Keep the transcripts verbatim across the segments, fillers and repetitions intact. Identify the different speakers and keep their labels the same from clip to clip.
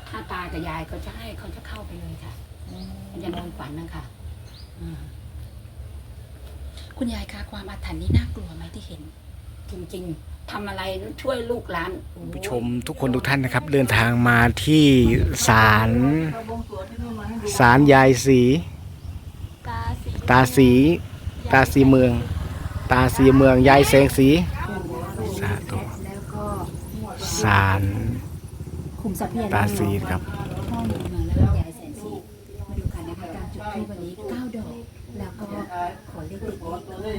Speaker 1: ถ้าตากับยายเขาจะให้เขาจะเข้าไปเลยค่ะมันจะนอนฝันนะคะ
Speaker 2: คุณยายคะความอาถรรพ์นี่น่ากลัวไหมที่เห็น
Speaker 1: จริงๆทำอะไรช่วยลูกหลาน
Speaker 3: ผู้ชมทุกคนทุกท่านนะครับ เดินทางมาที่ศาลศาลยายศรีตาสีตาสีเมือง ตาสีเมืองยายแสงสีสาธุศาลตาสีครับ
Speaker 2: พ่อหนุ่มเมืองแล้วยายแสนสีมาดูกันนะคะการจุดธูปวันนี้เก้าดอกแล้วก็ขอเลขเด็ดๆทูบด้วย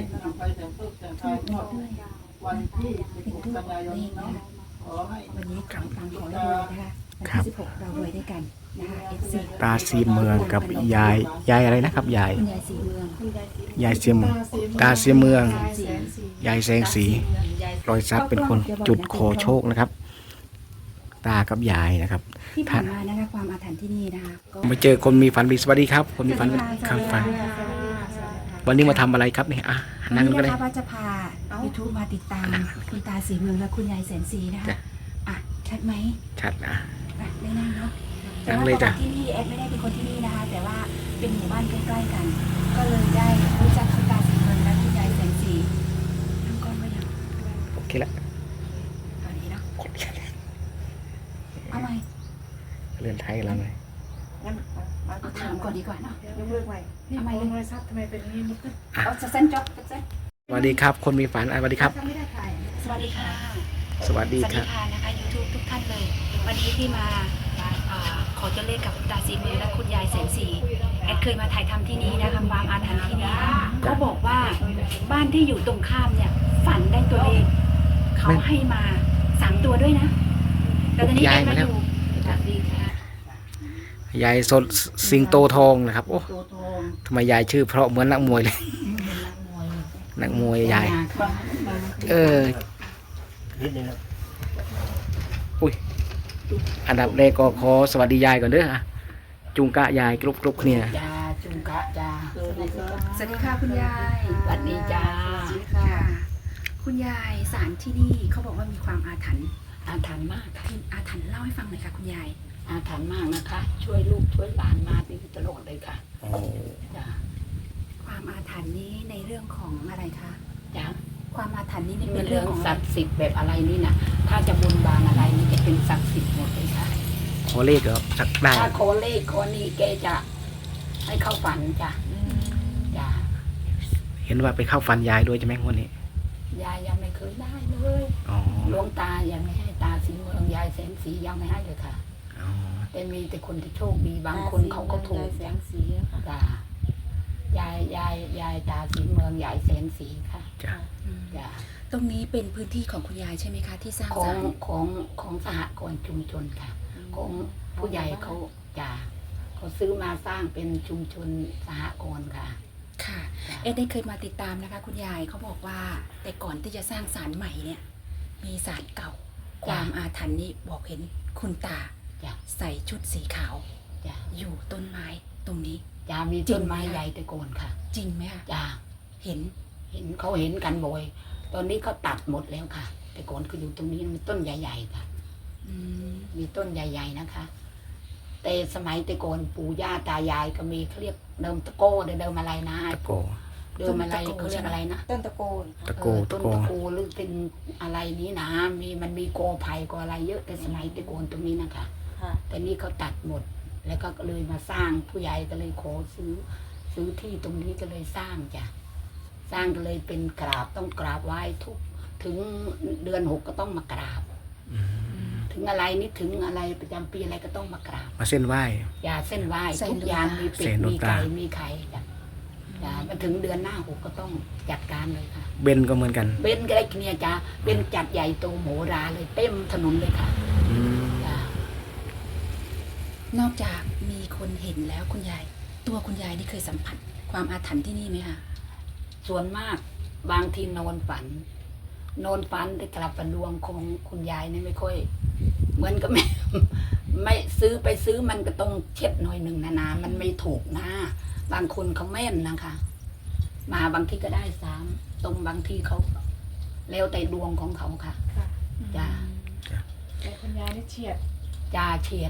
Speaker 2: วันที่สิบหกกันยายนนะคะวันนี้ขอตังขอรวยนะคะวันที่สิบหกเรารวยด้วยกันนะคะเอฟซี
Speaker 3: ตาสีเมืองกับยายยายอะไรนะครับยาย
Speaker 2: คุณยายสีเมือง
Speaker 3: ยายเสียมตาเสียเมืองยายแสงสีรอยซับเป็นคนจุดขอโชคนะครับ ตากับยายนะครับ
Speaker 2: ที่ผ่านมานะคะความอาถรรพ์ที่นี่นะคะ
Speaker 3: มาเจอคนมีฝันดีสวัสดีครับคนมีฝันครับฝันวันนี้มาทำอะไรครับเนี่ยอ่ะนั่งก็ได้
Speaker 2: วันนี้นะคะว่าจะพายูทูบมาติดตามคุณตาสีเมืองและคุณยายแสนสีนะคะอ่ะชัดไหม
Speaker 3: ชัดนะ
Speaker 2: ได้นั่งเนาะ
Speaker 3: นั่งเลยจ้ะ
Speaker 2: ที่นี่แอดไม่ได้เป็นคนที่นี่นะคะแต่ว่าเป็นหมู่บ้านใกล้ๆกันก็เลยได้รู้จักคุณตาสีเมืองและคุณยายแสนสีทั้งก้อนไม่ยัง
Speaker 3: โอเคละ
Speaker 2: ตอนนี้เนาะเอาไหม
Speaker 3: เรือนไทยแล้วไหม
Speaker 2: เอาถามก่อนดีกว่าเนาะ
Speaker 4: ยกเลิกไว้ทำไมลงโทรศัพท์ทำไมเป็นอย่างนี้มุกขึ้น
Speaker 2: เอาจะเส้นจ๊อกจะเส้น
Speaker 3: สวัสดีครับคนมีฝันสวัสดีครับ
Speaker 2: สวัสดีค่ะ
Speaker 3: สวัสดีครับ
Speaker 2: สวัสดีค่ะนะคะยูทูบทุกท่านเลยวันนี้ที่มาขอจะเลขกับคุณตาสีเมืองและคุณยายแสนสีแอดเคยมาถ่ายทำที่นี่นะคะความอาถรรพ์ที่นี่เขาบอกว่าบ้านที่อยู่ตรงข้ามเนี่ยฝันได้ตัวเลขเขาให้มาสามตัวด้วยนะแต่ตอนนี้แอดมาอยู่สวัสดีค่ะ
Speaker 3: ยายสดสิงโตทองนะครับโอ้ทำไมยายชื่อเพราะเหมือนนักมวยเลยนักมวยยายเอออุ้ยอันดับแรกก็ขอสวัสดียายก่อนเด้อจุงกะยายกรุบกรุบเนี่ย
Speaker 1: จ้าจุงกะจ้า
Speaker 2: สวัสดีค่ะคุณยาย
Speaker 1: สวัสดีจ้า
Speaker 2: ค่ะคุณยายศาลที่นี่เขาบอกว่ามีความอาถรรพ์
Speaker 1: อาถรรพ์มากค่ะ
Speaker 2: อาถรรพ์เล่าให้ฟังหน่อยค่ะคุณยาย
Speaker 1: อาถรรพ์มากนะคะช่วยลูกช่วยหลานมาดีตลอดเลยค่ะจ้า
Speaker 2: ความอาถรรพ์นี้ในเรื่องของอะไรคะ
Speaker 1: จ้า
Speaker 2: ความอาถรรพ์นี้ใน
Speaker 1: เป็นเรื่องศักดิ์สิทธิ์แบบอะไรนี่นะถ้าจะบนบานอะไรนี่จะเป็นศักดิ์สิทธิ์หมดเลยค่ะ
Speaker 3: ขอเลขเหรอสักได้
Speaker 1: ถ้าขอเลขขอนี้แกจะให้เข้าฝันจ้ะจ้า
Speaker 3: เห็นว่าไปเข้าฝันยายด้วยใช่ไหมวันนี้
Speaker 1: ยายยังไม่เคยได้เลยหลวงตายังไม่ให้ตาสีเมืองยายแสนสียังไม่ให้เลยค่ะแต่มีแต่คนที่โชคดีบางคนเขาก็ถูก
Speaker 4: แสงสี
Speaker 1: จ้ายายยายยายตาสีเมืองยายแสนสีค่ะ
Speaker 3: จ้า
Speaker 1: จ้า
Speaker 2: ตรงนี้เป็นพื้นที่ของคุณยายใช่ไหมคะที่สร้าง
Speaker 1: ของของของสหกรณ์ชุมชนค่ะของผู้ใหญ่เขาจ้าเขาซื้อมาสร้างเป็นชุมชนสหกรณ์ค่ะ
Speaker 2: ค่ะเอ็ดได้เคยมาติดตามนะคะคุณยายเขาบอกว่าแต่ก่อนที่จะสร้างศาลใหม่เนี่ยมีศาลเก่าความอาถรรพ์นี้บอกเห็นคุณตาใส่ชุดสีขาวอยู่ต้นไม้ตรงนี้
Speaker 1: จ้ามีต้นไม้ใหญ่แต่โกนค่ะ
Speaker 2: จริงไหมคะ
Speaker 1: จ้า
Speaker 2: เห็น
Speaker 1: เห็นเขาเห็นกันบ่อยตอนนี้เขาตัดหมดแล้วค่ะแต่ก่อนคืออยู่ตรงนี้มีต้นใหญ่ๆค่ะมีต้นใหญ่ๆนะคะแต่สมัยแต่ก่อนปู่ย่าตายายก็มีเขาเรียกเดิมตะโก้เดิมอะไรนะ
Speaker 3: ตะโก
Speaker 1: เดิมอะไรเขาเรียกอะไรนะ
Speaker 4: ต้นตะโกน
Speaker 3: ตะโก
Speaker 1: ต้นตะโกหรือเป็นอะไรนี้นะมีมันมีโกไผ่ก็อะไรเยอะแต่สมัยแต่ก่อนตรงนี้นะคะแต่นี่เขาตัดหมดแล้วก็เลยมาสร้างผู้ใหญ่ก็เลยขอซื้อซื้อที่ตรงนี้ก็เลยสร้างจ้ะสร้างก็เลยเป็นกราบต้องกราบไหว้ทุกถึงเดือนหกก็ต้องมากราบถึงอะไรนี่ถึงอะไรประจำปีอะไรก็ต้องมากราบ
Speaker 3: มาเส้นไหว้
Speaker 1: อย่าเส้นไหว้ทุกอย่างมีเป็ดมีไก่มีไข่จ้ะอย่ามาถึงเดือนหน้าหกก็ต้องจัดการเลยค่ะ
Speaker 3: เบนก็เหมือนกัน
Speaker 1: เบนก็ได้เนี่ยจ้ะเบนจัดใหญ่โตโหราเลยเต็มถนนเลยค่ะ
Speaker 2: นอกจากมีคนเห็นแล้วคุณยายตัวคุณยายนี่เคยสัมผัสความอาถรรพ์ที่นี่ไหมคะ
Speaker 1: ส่วนมากบางทีนอนฝันนอนฝันแต่กลับประดวงของคุณยายนี่ไม่ค่อยเหมือนกับไม่ไม่ซื้อไปซื้อมันก็ต้องเช็ดหน่อยหนึ่งนานามันไม่ถูกนะบางคนเขาแม่นนะคะมาบางทีก็ได้สามตรงบางทีเขาแล้วแต่ดวงของเขาค่ะจ้า
Speaker 4: แต่คุณยายนี่เฉียด
Speaker 1: จ้าเฉียด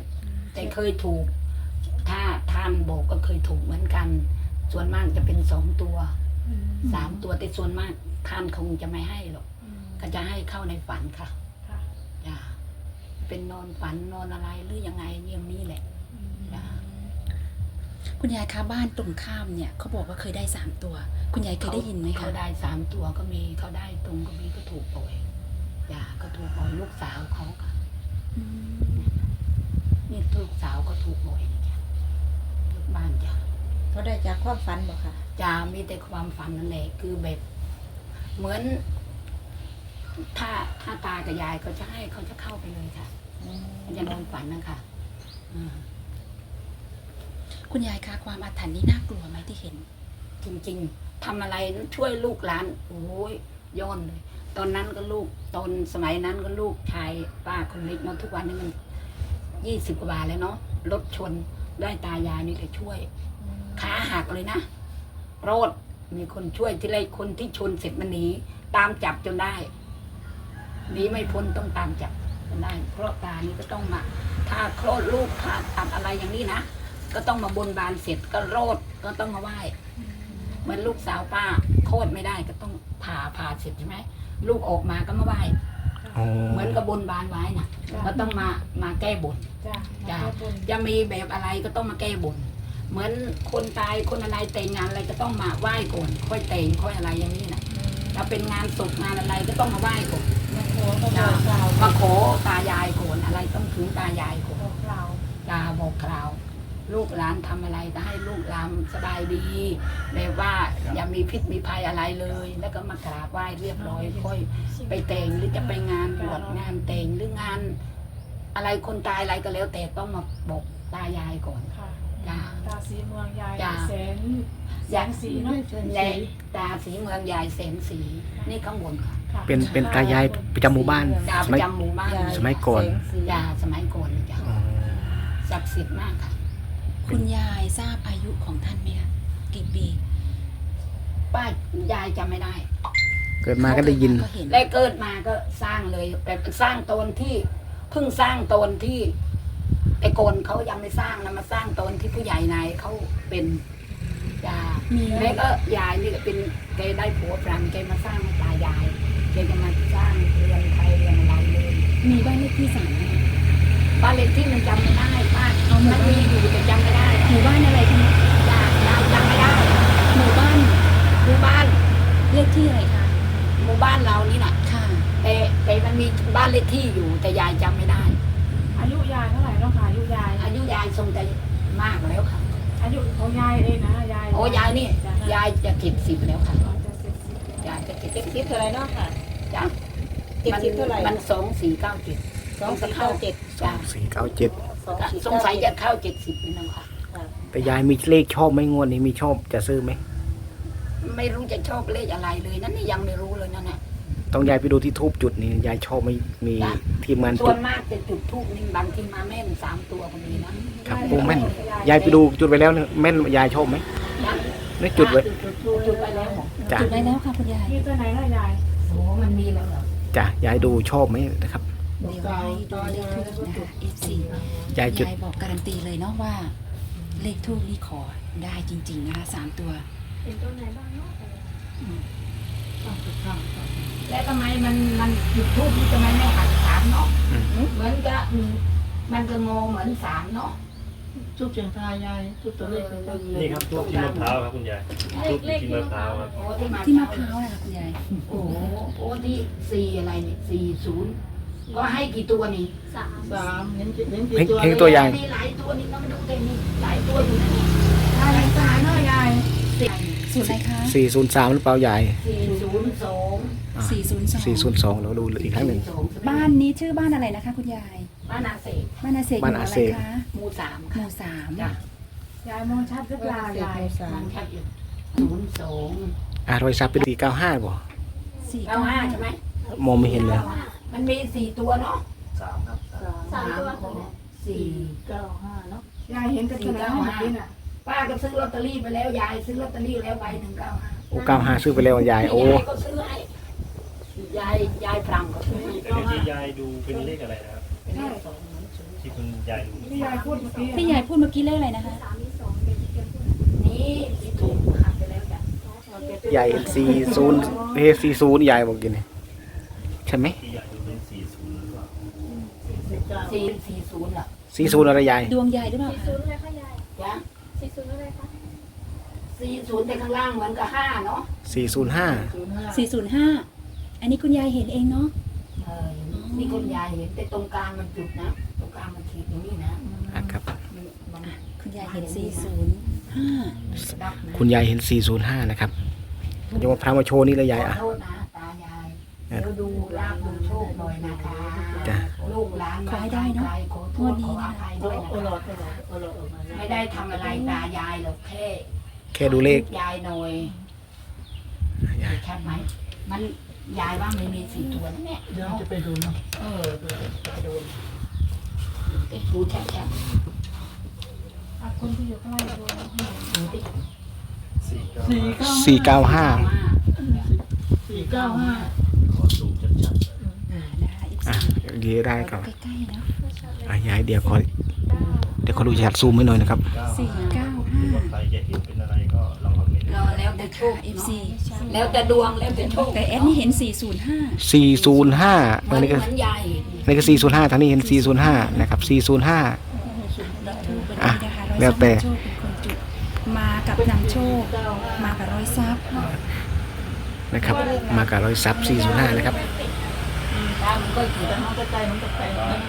Speaker 1: แต่เคยถูก ถ้าท่านบอกก็เคยถูกเหมือนกัน ส่วนมากจะเป็นสองตัวสามตัวแต่ส่วนมากท่านคงจะไม่ให้หรอกก็จะให้เข้าในฝันค่ะจ้ะเป็นนอนฝันนอนอะไรหรือยังไงเยี่ยมนี้แหละจ้ะ
Speaker 2: คุณยายคะบ้านตรงข้ามเนี่ยเขาบอกว่าเคยได้สามตัว คุณยายเคยได้ยินไหมคะ
Speaker 1: เขาได้สามตัวก็มีเขาได้ตรงก็มีก็ถูกปล่อยจ้ะก็ถูกปล่อยลูกสาวเขาค่ะ
Speaker 2: อืม
Speaker 1: นี่ลูกสาวก็ถูกบ่อยนะจ้ะลูกบ้านจ้ะ
Speaker 5: เขาได้จากความฝันบอกค่ะ
Speaker 1: จ้ามีแต่ความฝันนั่นแหละคือแบบ เหมือน ถ้าถ้าตากับยายเขาจะให้เขาจะเข้าไปเลยค่ะมันจะนอนฝันนะคะอืม
Speaker 2: คุณยายคะความอาถรรพ์นี่น่ากลัวไหมที่เห็น
Speaker 1: จริงๆทำอะไรช่วยลูกหลานโอ้ยย้อนเลย ตอนนั้นก็ลูกตอนสมัยนั้นก็ลูกชายป้าคนเล็กเนาะทุกวันนี้มันยี่สิบกว่าบาทแล้วเนาะรถชนได้ตายายนี่แหละช่วย ขาหักเลยนะโรดมีคนช่วยที่ไรคนที่ชนเสร็จมันหนีตามจับจนได้หนีไม่พ้นต้องตามจับจนได้ เพราะตานี่ก็ต้องมา ถ้าคลอดลูกผ่าตัดอะไรอย่างนี้นะก็ต้องมาบนบานเสร็จก็โรดก็ต้องมาไหว้เหมือนลูกสาวป้าคลอดไม่ได้ก็ต้องผ่าผ่าเสร็จใช่ไหมลูกออกมาก็มาไหว้
Speaker 3: อ๋อ
Speaker 1: เหมือนกับบนบานไว้นะก็ต้องมามาแก้บน
Speaker 4: จ้ะ
Speaker 1: จ้ะจะมีแบบอะไรก็ต้องมาแก้บน เหมือนคนตายคนอะไรแต่งงานอะไรก็ต้องมาไหว้ก่อนค่อยแต่งค่อยอะไรอย่างนี้นะถ้าเป็นงานศพงานอะไรก็ต้องมาไหว้ก่อน
Speaker 4: มาขอมาบอกกล่าว
Speaker 1: มาขอตายายก่อนอะไรต้องถึงตายายก่อน
Speaker 4: บอกกล่าว
Speaker 1: ตาบอกกล่าว ลูกหลานทำอะไรก็ให้ลูกหลานสบายดีแบบว่าอย่ามีพิษมีภัยอะไรเลย แล้วก็มากราบไหว้เรียบร้อยค่อยไปแต่งหรือจะไปงานบวชงานแต่งหรืองาน อะไรคนตายอะไรก็แล้ว แต่ต้องมาบอกตายายก่อน
Speaker 4: ค่ะ
Speaker 1: จ้า
Speaker 4: ตาสีเมืองยาย
Speaker 1: จ้ะ
Speaker 4: แสนแสนสีเนาะ
Speaker 1: ในตาสีเมืองยายแสนสีนี่ข้างบนค่ะ
Speaker 4: ค่ะ
Speaker 3: เป็นเป็นตายายประจำหมู่บ้าน
Speaker 1: ตา
Speaker 3: ส
Speaker 1: ป
Speaker 3: มัย
Speaker 1: ระจำหมู่บ้าน
Speaker 3: สมัยก่อน
Speaker 1: ยาสมัยก่อนเลยจ้ะ
Speaker 3: อ๋อ
Speaker 1: ศักดิ์สิทธิ์มากค่ะ
Speaker 2: คุณยายทราบอายุของท่านไหมคะกี่ปี
Speaker 1: ป้ายายจำไม่ได้
Speaker 3: เกิดมาก็ได้ยิน
Speaker 2: ก็เห็น
Speaker 1: และเกิดมาก็สร้างเลยแต่สร้างตนที่เพิ่งสร้างตนที่แต่ก่อนเขายังไม่สร้างนะมาสร้างตนที่ผู้ใหญ่นายเขาเป็นยา
Speaker 2: มี
Speaker 1: แล้วก็ยายนี่ก็เป็นแกได้ผัวฝรั่งแกมาสร้างให้ตายายแกจะมาสร้างเรือนไทยเรือนอะไรเลย
Speaker 2: มีบ้านเลขที่สามไหมคะ
Speaker 1: บ้านเลขที่มันจำไม่ได้ป้า
Speaker 2: เอาหมู่
Speaker 1: มัน
Speaker 2: บ้าน
Speaker 1: มีอยู่แต่จำไม่ได้
Speaker 2: หมู่บ้านอะไรคะเนี่ย
Speaker 1: ยายยายจำไม่ได้
Speaker 2: หมู่บ้าน
Speaker 1: หมู่บ้าน
Speaker 2: เลขที่อะไรคะ
Speaker 1: หมู่บ้านเรานี่แหละ
Speaker 2: ค่ะ
Speaker 1: แต่แต่มันมีบ้านเลขที่อยู่แต่ยายจำไม่ได้
Speaker 4: อายุยายเท่าไหร่เนาะค่ะอายุยาย
Speaker 1: อายุยายทรงจะมากแล้วค่ะ
Speaker 4: อายุของยายเองนะยาย
Speaker 1: โอ้ยายนี่
Speaker 4: จ้ะ
Speaker 1: ยายจะเจ็ดสิบแล้วค่ะ
Speaker 4: จะเสร็จสิ้น
Speaker 1: ยายจะเจ็ด
Speaker 5: เจ็ด
Speaker 1: สิ
Speaker 5: สิ
Speaker 1: บบ
Speaker 5: เท่าไรเนาะค่ะ
Speaker 1: จ้ะ
Speaker 5: เจ็ดสิบเท่าไหร่
Speaker 1: มันสองสี่เก้าเจ็ด
Speaker 5: สองสี่เก้าเจ็ด
Speaker 1: จ้ะ
Speaker 3: สี่เก้าเจ็ด
Speaker 5: สองสี่
Speaker 1: สง
Speaker 5: เก้า
Speaker 1: สัย
Speaker 5: เจ็
Speaker 1: จะ
Speaker 5: ด
Speaker 1: เข้าเจ็ดสิบนี่นะค่ะ
Speaker 5: ค่ะ
Speaker 3: แต่ยายมีเลขชอบไหมงวดนี้มีชอบจะซื้อไหม
Speaker 1: ไม่รู้จะชอบเลขอะไรเลยนั่นนี่ยังไม่รู้เลยนั่นน่ะ
Speaker 3: ต้องยายไปดูที่ทูบจุดนี่ยายชอบไหม่มีทีมงาน
Speaker 1: ส่
Speaker 3: จุ
Speaker 1: ว
Speaker 3: ด
Speaker 1: นมากจะจุดทูบนี่บางทีมาแม่นสามตัวก็มีนะครับ
Speaker 3: โอ้แม่นยายไปดูจุดไปแล้วเนี่ยแม่นยายชอบไหม
Speaker 1: ยัง
Speaker 3: นี่จุดไว้
Speaker 1: จุดจุดจุดไปแล้ว
Speaker 3: จ้ะ
Speaker 2: จุดไว้แล้วค่ะคุณยาย
Speaker 4: มีตัวไหนล่ะยาย
Speaker 1: โอ้มันมีแล้วเหรอ
Speaker 3: จ้ะยายดูชอบไหมนะครับ
Speaker 2: เดี๋ยวให้ดูเลขทูบนะคะ เอฟ ซี
Speaker 3: ยายจุด
Speaker 2: ยายบอกการันตีเลยเนาะว่า เลขทูบนี่ขอได้จริง ๆ นะคะสามตัว
Speaker 4: เป็นตัวไหนบ้างเนาะ
Speaker 1: แล้วทำไมมันมันจุดทูบนี่ทำไมไม่หักสามเนาะ
Speaker 3: อืม
Speaker 1: เหมือนกับอืมมันจะงงเหมือนสามเนาะ
Speaker 6: ทุบเสียงทายยายทุบตัวเลขเลย
Speaker 7: นี่ครับทูบที่มะพร้าวครับคุณยายทูบที่มะพร้าวครับ
Speaker 1: โอ้ที่มา
Speaker 2: ที่มะพร้าวนะคะคุณยาย
Speaker 1: โอ้โหโอ้ที่สี่อะไรเนี่ยสี่ศูนย์ก็ให้กี่ตัวนี่
Speaker 6: สามเห็นเห็น
Speaker 3: เห็
Speaker 6: กี่
Speaker 3: น
Speaker 6: ตัว
Speaker 3: เห็นตัวอย่าง
Speaker 1: มีหลายตัวนี่ก็ไม่รู้แต่มีหลายตัวอยู่นะนี่
Speaker 4: ยายตายเนาะยาย
Speaker 1: สี่
Speaker 2: สูตรอะไรคะ
Speaker 3: สี่ศูนย์สามหรือเปล่ายาย
Speaker 1: สี่ศูนย์สอง
Speaker 2: สี่ศูนย์สอง
Speaker 3: สี่ศูนย์สองเราดูอีกครั้งหนึ่ง
Speaker 2: บ้านนี้ชื่อบ้านอะไรนะคะ คุณยาย
Speaker 1: บ้านอาเสก
Speaker 2: บ้านอาเซกอ
Speaker 3: บ้าน
Speaker 2: ยู่
Speaker 3: อา
Speaker 2: อะไร
Speaker 3: เสก
Speaker 2: คะ
Speaker 1: หมู่สาม
Speaker 2: ห
Speaker 1: ค่ะ
Speaker 2: มู่สาม
Speaker 1: จ้ะ
Speaker 4: ยายมองชัดหรือเปล่ายาย
Speaker 1: มันแค่อยู่ศูนย์สอง
Speaker 3: อ่ารอยซับเป็นสี่เก้าห้าบ่
Speaker 2: สี่
Speaker 1: เก้าห้าใช่ไหม
Speaker 3: มองไม่เห็นเลย
Speaker 1: มันมีสี่ตัวเนาะ
Speaker 7: สามครับ
Speaker 1: สามตัวสี่
Speaker 6: เก้าห้าเนาะ
Speaker 4: ยายเห็นเป็นตัวไหนเมื่อกี้น่ะ
Speaker 1: ป้าก็ซื้อลอตเตอรี่ไปแล้วยายซื้อลอตเตอรี่แล้วใบหนึ่งเก้าห้า
Speaker 3: โอ้เก้าห้าซื้อไปแล้วยายโอ้
Speaker 1: ยายก็ซื้อให้ยายยายพรังก็ซื้อให้
Speaker 7: อันนี้ที่ยายดูเป็นเลขอะไรนะครับ
Speaker 1: เป็นเลขสองเหมือนศูนย์
Speaker 7: ที่คุณยายดู
Speaker 4: ที่ยายพูดเมื่อกี้
Speaker 2: ที่ยายพูดเมื่อกี้เลขอะไรนะคะ
Speaker 1: นี่ที่ถูกขับไปแล้วจ้ะ
Speaker 3: ยายเห็นสี่ศูนย์เฮ้สี่ศูนย์ยายบอกกินนี่ใช่ไหม
Speaker 7: ที่ยายดูเป็นสี่ศูนย์หรือเปล่า
Speaker 1: สี่สี่ศูนย์เหรอ
Speaker 3: สี่ศูนย์อะไรยาย
Speaker 2: ดวงยายหรือเปล่าคะ
Speaker 1: จ้ะสี่ศูนย์แต่ข้างล่างเหมือนกับห้าเนาะ
Speaker 3: สี่ศูนย์ห้า
Speaker 6: ศูนย์ห้า
Speaker 2: สี่ศูนย์ห้าอันนี้คุณยายเห็นเองเนาะ
Speaker 1: เออนี่คุณยายเห็นแต่ตรงกลางมันจุดนะตรงกลางมันขีดอย่างนี้นะ
Speaker 3: อ่ะครับ
Speaker 1: มัน
Speaker 2: คุณยายเห็นสี่ศูนย์ห้า
Speaker 1: ดับนะ
Speaker 3: คุณยายเห็นสี่ศูนย์ห้านะครับจะมาพามาโชว์นี่เลยยาย
Speaker 1: ขอ
Speaker 3: อ่ะ
Speaker 1: โทษนะตายายเดี๋ยวดูลาบดูโชคหน่อยนะคะ
Speaker 3: จ้ะ
Speaker 1: ลูกหลานมาไกลขอโทษขออภัย
Speaker 6: โอ้
Speaker 1: ด้วย
Speaker 6: โอ้หล
Speaker 1: นะ
Speaker 6: อดโอ้หลอดโอ้หลอดออกมา
Speaker 1: ไม่ได้ทำอะไรตายายหรอกแค่
Speaker 3: แค่ดูเลข
Speaker 1: ยายหน่อย
Speaker 3: ยาย
Speaker 1: ชัดไหมมันยายว่าไม่มีสี่ตัวนะเนี่ย
Speaker 6: เดี๋ยวจะไปดูเนาะ
Speaker 1: เออไปดูเอ๊ะดูชัดชัด
Speaker 4: อ่ะคนที่อยู่ข้างล่างดู
Speaker 1: ๆดูดิ
Speaker 7: สี่เก้า
Speaker 6: สี่เก้า
Speaker 3: สี่เก้าห้า
Speaker 6: สี่เก้าห้า
Speaker 7: ขอซูมชัด
Speaker 2: นะคะ
Speaker 3: อ่ะเดี๋ยวได้ครับ
Speaker 2: ใกล้ๆเนาะ
Speaker 3: อ่ะยายเดี๋ยวขอเดี๋ยวขอดูชัดซูมให้หน่อยนะครับ
Speaker 7: ๆ
Speaker 2: สี่เก้า
Speaker 7: หรือว่าใครจะเห็นเป็นอะไรก็ลองคอมเมนต์
Speaker 1: เราแล้วแต่โชค
Speaker 2: เอฟ
Speaker 1: เนาะ
Speaker 2: ซี
Speaker 1: แล้วแต่ดวงแล้วแต่โชค
Speaker 2: แต่แอดนี่เห็นสี่ศูนย์ห้า
Speaker 3: สี่ศูนย์ห้า
Speaker 1: เหมื
Speaker 3: อั
Speaker 1: อน น
Speaker 3: นี้ก็
Speaker 1: เหมือนยาย
Speaker 3: อันนี้ก็สี่ศูนย์ห้าทางนี้เห็นสี่ศูนย์ห้านะครับสี่ศูนย์ห้า
Speaker 2: ทูบ
Speaker 3: อ่ะ
Speaker 2: นี้นะคะร้อย
Speaker 3: แล้วแต่
Speaker 2: ทรัพย์นำโชคเป็นคนจุดมากับนำโชค มากับร้อยทรัพย์
Speaker 3: นะครับ มากับรอยซับสี่ศูนย์ห้านะครับ
Speaker 1: ตามันก็ถือ
Speaker 6: แต่มันก็ใจมันก็ไป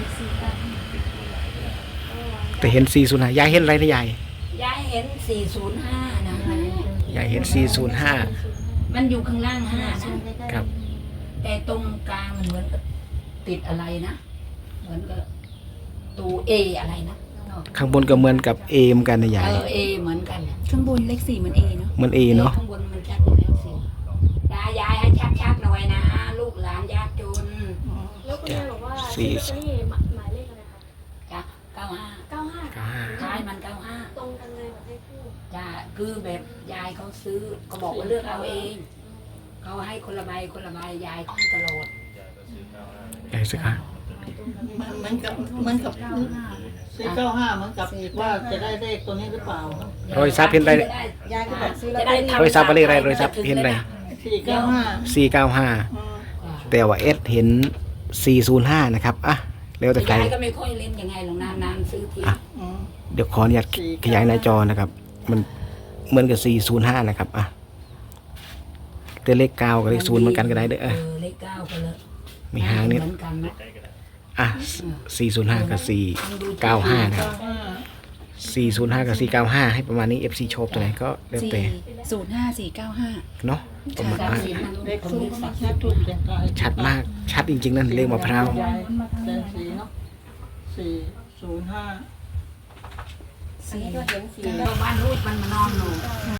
Speaker 3: แต่เห็นสี่ศูนย์ห้ายายเห็นอะไรนะยาย
Speaker 1: ยายเห็นสี่ศูนย์ห้านะ
Speaker 3: ยายเห็นสี่ศูนย์ห้า
Speaker 1: มันอยู่ข้างล่างห้านะครับ แต่ตรงกลางมันเหมือนกับติดอะไรนะ เหมือนกับตูเออะไรนะ
Speaker 3: ข้างบนก็เหมือนกับเอเหมอนกันนะยา
Speaker 1: เอย อเอเหมือนกันน่ะ
Speaker 2: ข้างบนเลขสี่เหมือนเอเนาะ
Speaker 3: เหมือนเอเนาะ
Speaker 1: ข้างบนมันชัดอยู่แล้วสิยายยายให้ชัดๆหน่อยนะ ลูกหลานยากจน
Speaker 4: แล้วคุณยายบอกว่า
Speaker 3: สี่
Speaker 4: ลอตเตอรี่หมายเลขอะไรคะ
Speaker 1: จ้ะเก้าห้า
Speaker 4: เก้าห้า
Speaker 3: เก้าห้า
Speaker 1: ท้ายมันเก้าห้า
Speaker 4: ตรงกันเลยแบบให้พูด
Speaker 1: จ้ะคือแบบยายเขาซื้อก็บอกว่าเลือกเอาเองเขาให้คนละใบคนละใบยายให้ตลอด
Speaker 3: ยายสิครับ
Speaker 6: เหมือนกับเหมือนกับสี่เก้าห้าเหมือนกับว่าจะได้เลขตัวนี้หรือเปล่าร
Speaker 3: อยซับเห็นอะไร
Speaker 5: ยายก็บอกซื้อลอ
Speaker 1: จะ
Speaker 5: ตเตอ
Speaker 1: ได้
Speaker 5: รี่
Speaker 1: ทำ
Speaker 3: รอยซับอะไรอะไรรอยซับเห็นอะไร
Speaker 6: สี่เก้าห้า
Speaker 3: สี่เก้าห้าแต่ว่าเอสเห็นสี่ศูนย์ห้านะครับอ่ะแล้วแต่ใคร
Speaker 1: ยายก็ไม่ค่อยเล่นยังไงหรอกนานๆซื้อที
Speaker 3: อ่ะ เดี๋ยวขออนุญาตขยายหน้าจอนะครับ มันเหมือนกับสี่ศูนย์ห้านะครับอ่ะแต่เลขเก้ากับเลขศูนย์เหมือนกันก็ได้เด้อ
Speaker 1: เอ
Speaker 3: เออ
Speaker 1: อเลขเก้าก็เลย
Speaker 3: มีหางนิด
Speaker 1: เหมือนกันนะ
Speaker 3: อ่ะสี่ศูนย์ห้ากับสี่เก้าห้านะครับ
Speaker 6: เก้าห้า
Speaker 3: สี่ศูนย์ห้ากับสี่เก้าห้าให้ประมาณนี้ เอฟ ซี ชอบตัวไหนก็แล้ว
Speaker 2: สี่
Speaker 3: แต่
Speaker 2: ศูนย์ห้าสี่เก้าห้า
Speaker 3: เนาะประมาณ
Speaker 1: สาม
Speaker 3: อ่ะ
Speaker 1: สิบมัน
Speaker 6: เลข
Speaker 1: ผม
Speaker 6: ทู
Speaker 1: เรี
Speaker 6: บ
Speaker 1: ยกสัก
Speaker 6: ชัดทูบเสียงทาย
Speaker 3: ชัดมาก ชัดจริงๆนั่นเลขมะพร้าว
Speaker 6: ยายแสนสีเนาะสี่ศูนย์ห้า
Speaker 5: อันนี้ก็เห็นสี่
Speaker 1: เออบ้านรูดมันมานอนหนู